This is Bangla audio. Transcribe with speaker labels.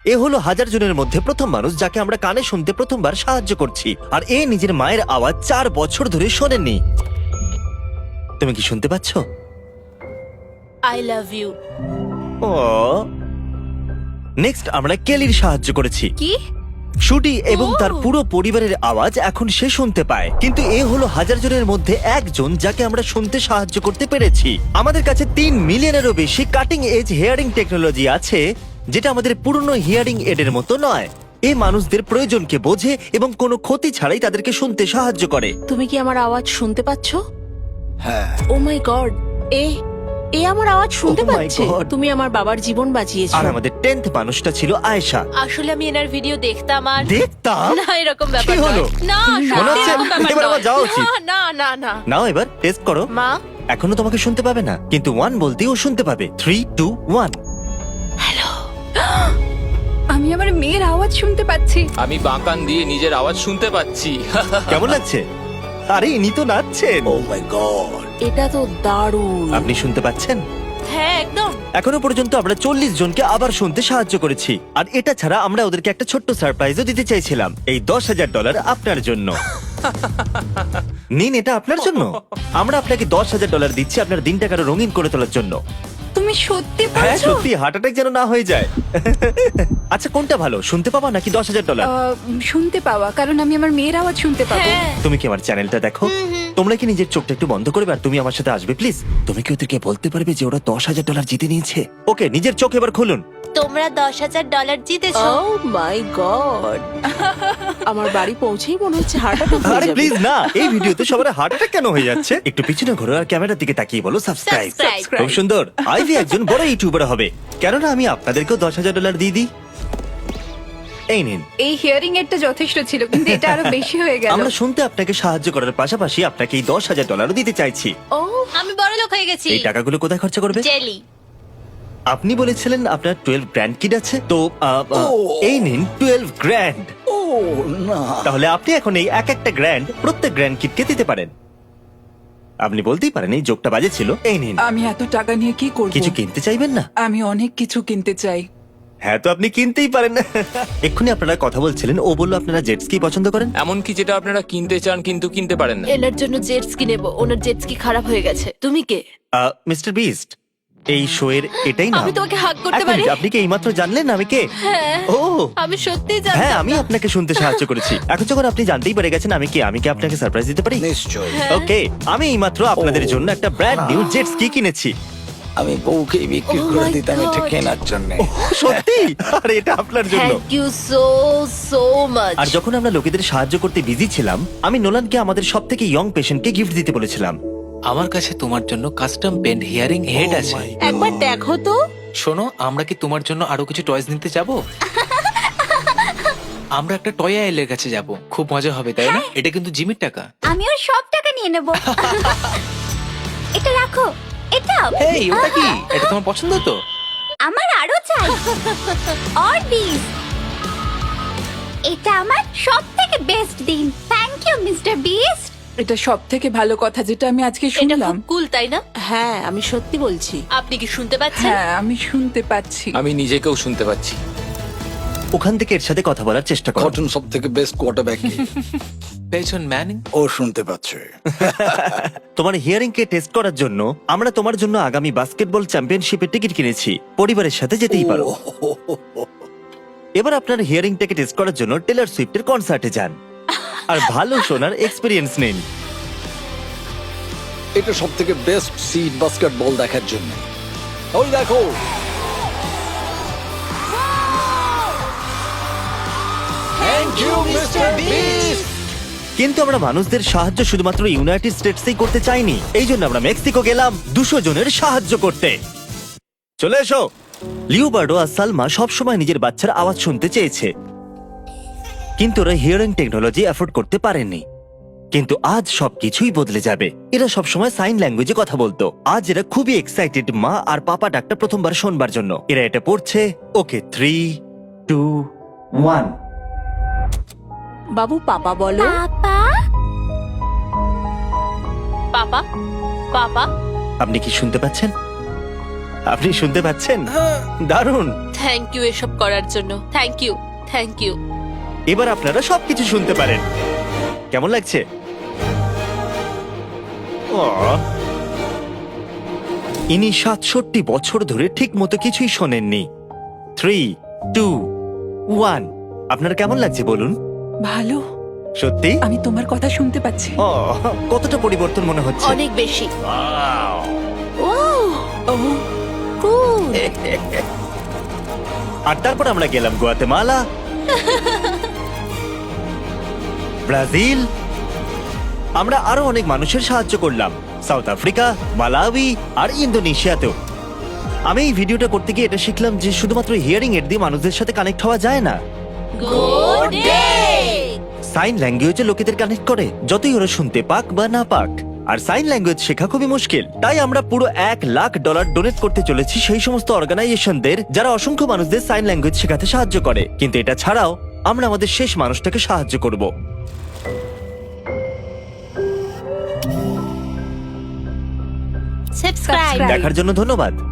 Speaker 1: এ হলো 1000 জনের মধ্যে প্রথম মানুষ যাকে আমরা কানে শুনতে প্রথমবার সাহায্য করছি, আর এ নিজের মায়ের আওয়াজ 4 বছর ধরে শোনেননি। তুমি কি শুনতে পাচ্ছ?
Speaker 2: I love you.
Speaker 1: ও, নেক্সট আমরা কেলির সাহায্য করেছি।
Speaker 2: কি?
Speaker 1: শুটি এবং তার
Speaker 2: ও।
Speaker 1: পুরো পরিবারের আওয়াজ এখন সে শুনতে পায়, কিন্তু এ হলো 1000 জনের মধ্যে একজন যাকে আমরা শুনতে সাহায্য করতে পেরেছি। আমাদের কাছে 3 মিলিয়নেরও বেশি কাটিং এজ হিয়ারিং টেকনোলজি আছে, যেটা আমাদের পুরনো হিয়ারিং এডের মতো নয়। এই মানুষদের প্রয়োজনকে বোঝে এবং কোনো ক্ষতি ছাড়াই তাদেরকে শুনতে সাহায্য করে।
Speaker 2: তুমি কি আমার আওয়াজ শুনতে পাচ্ছ?
Speaker 3: হ্যাঁ,
Speaker 2: ও মাই গড, এ আমার আওয়াজ শুনতে
Speaker 1: Oh my
Speaker 2: পাচ্ছে।
Speaker 1: God.
Speaker 2: তুমি আমার বাবার জীবন বাঁচিয়েছো।
Speaker 1: আর আমাদের 10th মানুষটা ছিল আয়েশা।
Speaker 2: আসলে আমি এনার ভিডিও দেখতাম আর
Speaker 1: দেখতাম?
Speaker 2: না, এরকম ব্যাপার
Speaker 1: কি হলো?
Speaker 2: নয়। না,
Speaker 1: মনে
Speaker 2: সত্যি
Speaker 1: হচ্ছে
Speaker 2: এরকম ব্যাপার
Speaker 1: এবার আমার
Speaker 2: নয়।
Speaker 1: যাওয়া উচিত।
Speaker 2: না, না, না, না।
Speaker 1: নাও এবার টেস্ট করো।
Speaker 2: মা,
Speaker 1: এখনো তোমাকে শুনতে পাবে না, কিন্তু 1 বলতেই ও শুনতে পাবে। 3, 2, 1।
Speaker 4: আমি আমার মেয়ের আওয়াজ শুনতে পাচ্ছি।
Speaker 5: আমি বাঁকান দিয়ে নিজের আওয়াজ শুনতে পাচ্ছি।
Speaker 1: কেমন লাগছে? আরে ইনি তো নাচছেন।
Speaker 3: ও মাই গড।
Speaker 2: এটা তো দারুণ।
Speaker 1: আপনি শুনতে পাচ্ছেন?
Speaker 2: হ্যাঁ, একদম।
Speaker 1: এখনো পর্যন্ত আমরা 40 জনকে আবার শুনতে সাহায্য করেছি, আর এটা ছাড়া আমরা ওদেরকে একটা ছোট্ট সারপ্রাইজও দিতে চাইছিলাম। এই $10,000 আপনার জন্য। নিন, এটা আপনার জন্য। আমরা আপনাকে $10,000 দিচ্ছি আপনার দিনটাকে আরো রঙিন করে তোলার জন্য।
Speaker 4: তুমি সত্যি
Speaker 1: হ্যাঁ,
Speaker 4: বলছো?
Speaker 1: সত্যি হার্ট অ্যাটাক যেন না হয়ে যায়। আচ্ছা, কোনটা ভালো, শুনতে পাবা নাকি $10,000?
Speaker 4: শুনতে পাওয়া, কারণ আমি আমার মেয়ের আওয়াজ শুনতে পাবো।
Speaker 2: হ্যাঁ।
Speaker 1: তুমি কি আমার চ্যানেলটা দেখো? তোমরা কি নিজের চোখটা একটু বন্ধ করবে আর তুমি আমার সাথে আসবে প্লিজ? তুমি কি ওদেরকে বলতে পারবে যে ওরা $10,000 জিতে নিয়েছে? ওকে, নিজের চোখ এবার খুলুন।
Speaker 2: তোমরা $10,000 জিতেছো। ও মাই গড, আমার বাড়ি পৌঁছেই মনে হচ্ছে হার্ট অ্যাটাক হয়ে
Speaker 1: আরে
Speaker 2: যাবে।
Speaker 1: প্লিজ না, এই ভিডিওতে সবার হার্ট অ্যাটাক কেন হয়ে যাচ্ছে? একটু পিছনে ঘোরো আর ক্যামেরার দিকে তাকিয়ে বলো সাবস্ক্রাইব।
Speaker 2: Subscribe.
Speaker 1: খুব সুন্দর। আইভি একজন বড় ইউটিউবার হবে, কেননা আমি আপনাদেরকেও $10,000 দিয়ে দিই। এই নিন।
Speaker 4: এই হিয়ারিং এরটা যথেষ্ট ছিল, কিন্তু এটা আরো বেশি হয়ে গেল।
Speaker 1: আমরা শুনতে আপনাকে সাহায্য করার পাশাপাশি আপনাকে এই $10,000 দিতে চাইছি।
Speaker 2: ও, আমি বড় লোক হয়ে গেছি।
Speaker 1: এই টাকাগুলো কোথায় খরচা করবে?
Speaker 2: জেলি।
Speaker 1: আপনি বলেছিলেন আপনার 12 গ্র্যান্ড কিড আছে, তো এই নিন 12 গ্র্যান্ড।
Speaker 3: ও না,
Speaker 1: তাহলে আপনি এখন এই একটা গ্র্যান্ড প্রত্যেক গ্র্যান্ড কিডকে দিতে পারেন। আপনি বলতেই পারেন এই জোকটা বাজে ছিল। এই নিন।
Speaker 6: আমি এত টাকা নিয়ে কি করব?
Speaker 1: কিছু কিনতে চাইবেন না?
Speaker 6: আমি অনেক কিছু কিনতে চাই।
Speaker 1: হ্যাঁ, তো আপনি কিনতেই পারেন। এক্ষুনি আপনারা কথা বলছিলেন, ও বললো আপনারা জেট স্কি পছন্দ করেন।
Speaker 5: এমনকি যেটা আপনারা কিনতে চান কিন্তু কিনতে পারেন না।
Speaker 2: এনার জন্য জেট স্কি নেবো। ওনার জেট স্কি খারাপ হয়ে গেছে। তুমি কে?
Speaker 1: মিস্টার বিস্ট, এই শো এর এটাই না।
Speaker 2: আমি তোমাকে হাগ করতে পারি?
Speaker 1: আপনি কি এইমাত্র জানলেন আমি কে?
Speaker 2: হ্যাঁ,
Speaker 1: ও
Speaker 2: আমি সত্যিই জানতাম
Speaker 1: হ্যাঁ, আমি
Speaker 2: না।
Speaker 1: আপনাকে শুনতে সাহায্য করেছি। এখন যখন আপনি জানতেই পেরে গেছেন আমি কে, আমি কি আপনাকে সারপ্রাইজ দিতে পারি?
Speaker 3: নিশ্চয়।
Speaker 1: ওকে, আমি এইমাত্র আপনাদের জন্য একটা ব্র্যান্ড নিউ জেট স্কি কিনেছি।
Speaker 3: আমি বউকে বিক্রি
Speaker 2: Oh
Speaker 3: করে
Speaker 2: my
Speaker 3: দিতাম এটা
Speaker 2: God.
Speaker 3: কেনার জন্য।
Speaker 1: সত্যি? আর এটা আপনার জন্য।
Speaker 2: Thank you so much.
Speaker 1: আর যখন আমরা লোকেদের সাহায্য করতে বিজি ছিলাম, আমি নোলানকে আমাদের সবথেকে ইয়ং পেশেন্টকে গিফট দিতে বলেছিলাম।
Speaker 7: আমার কাছে তোমার জন্য কাস্টম পেন্ট হিয়ারিং হেড আছে।
Speaker 2: একবার দেখো তো।
Speaker 7: শোনো, আমরা কি তোমার জন্য আরো কিছু টয়স নিতে যাব? আমরা একটা টয় আইলের কাছে যাব, খুব মজা হবে, তাই না? এটা কিন্তু জিমির টাকা।
Speaker 4: আমি ওর সব টাকা নিয়ে নেব। এটা রাখো। এটা
Speaker 7: এই, ওটা কি? এটা তোমার পছন্দ তো?
Speaker 4: আমার আরো চাই। আর দিস। এটা আমার সবথেকে বেস্ট দিন। Thank you mister Beast.
Speaker 6: এটা সব থেকে ভালো কথা যেটা আমি আজকে
Speaker 2: এটা
Speaker 6: শুনলাম।
Speaker 2: খুব কুল, তাই না? হ্যাঁ, আমি সত্যি বলছি। আপনি কি শুনতে পাচ্ছেন?
Speaker 6: হ্যাঁ, আমি শুনতে পাচ্ছি।
Speaker 5: আমি নিজেকেও শুনতে পাচ্ছি।
Speaker 1: ওখান থেকে এর সাথে কথা বলার চেষ্টা করো।
Speaker 3: কটন সব থেকে বেস্ট কোয়ার্টারব্যাক।
Speaker 7: পেছন ম্যানিং।
Speaker 3: ও শুনতে পাচ্ছে।
Speaker 1: তোমার হিয়ারিং কে টেস্ট করার জন্য আমরা তোমার জন্য আগামী বাস্কেটবল চ্যাম্পিয়নশিপের টিকিট কিনেছি। পরিবারের সাথে যেতেই পারো। এবার আপনার হিয়ারিংটাকে টেস্ট করার জন্য টেলর সুইফটের কনসার্টে যান আর ভালো শোনার এক্সপেরিয়েন্স নিন।
Speaker 3: এটা সব থেকে বেস্ট সিট বাস্কেটবল দেখার জন্য। ওই দেখো, থ্যাংক ইউ মিস্টার বিস্ট।
Speaker 1: কিন্তু আমরা মানুষদের সাহায্য শুধুমাত্র ইউনাইটেড স্টেটসেই করতে চাইনি, এই জন্য আমরা মেক্সিকো গেলাম 200 জনের সাহায্য করতে। চলে এসো। লিওবার্ডো আর সালমা সবসময় নিজের বাচ্চার আওয়াজ শুনতে চেয়েছে, কিন্তু ওরা হিয়ারিং টেকনোলজি অ্যাফোর্ড করতে পারেনি। কিন্তু আজ সবকিছুই বদলে যাবে। এরা সবসময় সাইন ল্যাঙ্গুয়েজে কথা বলতো, আজ এরা খুবই এক্সাইটেড মা আর পাপা ডাকটা প্রথমবার শোনবার জন্য। এরা এটা পড়ছে। ওকে, 3, 2, 1।
Speaker 2: বাবু, পাপা বলো। পাপা, পাপা।
Speaker 1: আপনি কি শুনতে পাচ্ছেন? আপনি শুনতে পাচ্ছেন? দারুণ।
Speaker 2: থ্যাংক ইউ এসব করার জন্য। Thank you, thank you.
Speaker 1: এবার আপনারা সবকিছু শুনতে পারেন। কেমন লাগছে? ইনি ৬৭ বছর ধরে ঠিক মতো কিছুই শোনেননি। 3, 2, 1। আপনার কেমন লাগছে বলুন?
Speaker 6: ভালো,
Speaker 1: সত্যি?
Speaker 6: আমি তোমার কথা শুনতে পাচ্ছি।
Speaker 1: কতটা পরিবর্তন মনে হচ্ছে?
Speaker 2: অনেক বেশি।
Speaker 1: Wow!
Speaker 2: ও
Speaker 6: ও
Speaker 2: কুল।
Speaker 1: আর তারপর আমরা গেলাম গুয়াতেমালা, ব্রাজিল। আমরা আরো অনেক মানুষের সাহায্য করলাম, সাউথ আফ্রিকা, মালাউই আর ইন্দোনেশিয়াতেও। আমি এই ভিডিওটা করতে গিয়ে এটা শিখলাম যে শুধুমাত্র হিয়ারিং এড দিয়ে মানুষদের সাথে কানেক্ট হওয়া যায় না।
Speaker 2: Good day.
Speaker 1: সাইন ল্যাঙ্গুয়েজে লোকেদের কানেক্ট করে, যতই ওরা শুনতে পাক বা না পাক। আর সাইন ল্যাঙ্গুয়েজ শেখা খুবই মুশকিল। তাই আমরা পুরো $1 লাখ ডোনেট করতে চলেছি সেই সমস্ত অর্গানাইজেশনদের যারা অসংখ্য মানুষদের সাইন ল্যাঙ্গুয়েজ শেখাতে সাহায্য করে। কিন্তু এটা ছাড়াও আমরা আমাদের শেষ মানুষটাকে সাহায্য করব।
Speaker 4: সাবস্ক্রাইব।
Speaker 1: দেখার জন্য ধন্যবাদ।